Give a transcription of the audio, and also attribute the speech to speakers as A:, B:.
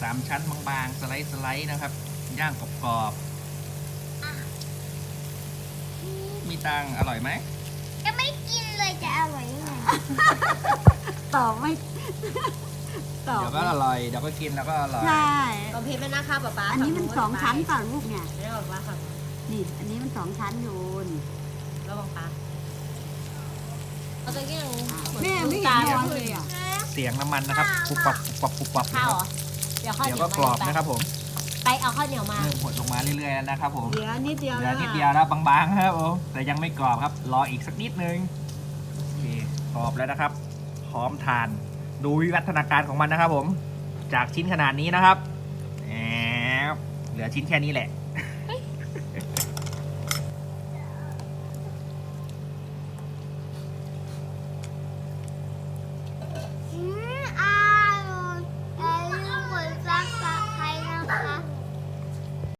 A: 3 ชั้นบางๆสไลด์นะครับย่างกรอบๆมีตังอร่อยไหม
B: จะไม่กินเลยจะอร่อยยังไง
C: ตอบไม่ตอบ
A: เดี๋ยวก็อร่อยเดี๋ยวก็กินแล้วก็อร่อย
C: ใช่
D: ตอมเพชรไม่นะคะป๊าป๊า
C: อันนี้มัน2 ชั้นเปล่าลูกเนี่ย
D: ไม่ได้บอกว่าค่ะ
C: นี่ อันนี้มัน2 ชั้นอยู่นี่
D: แล้วบอกป๊าเอาตัวกี้ยัง
C: แม่ไม่เห็นร้อนเลยอ่ะ
A: เสียงน้ำมันนะครับปุบปับปุบปับปุบปับนะ
D: ข้าว
A: ค
D: เหร
A: รับ
D: อเดี๋ยวข้าว
A: เดี๋ยว
D: เหนีย
A: ก็
D: ว
A: กรอบนะครับผม
D: ไปเอาข้าวเหนียวมา
A: เริ่มหดลงมาเรื่อยๆแล้วนะครับผม
C: เหลือนิดเดียว
A: เหลื
C: แล้
A: อ
C: ว
A: นิดเดียวแล้วบางๆครับผมแต่ยังไม่กรอบครับรออีกสักนิดนึงโอเคกรอบแล้วนะครับพร้อมทานดูวิวัฒนาการของมันนะครับผมจากชิ้นขนาดนี้นะครับแอบเหลือชิ้นแค่นี้แหละ
B: อืม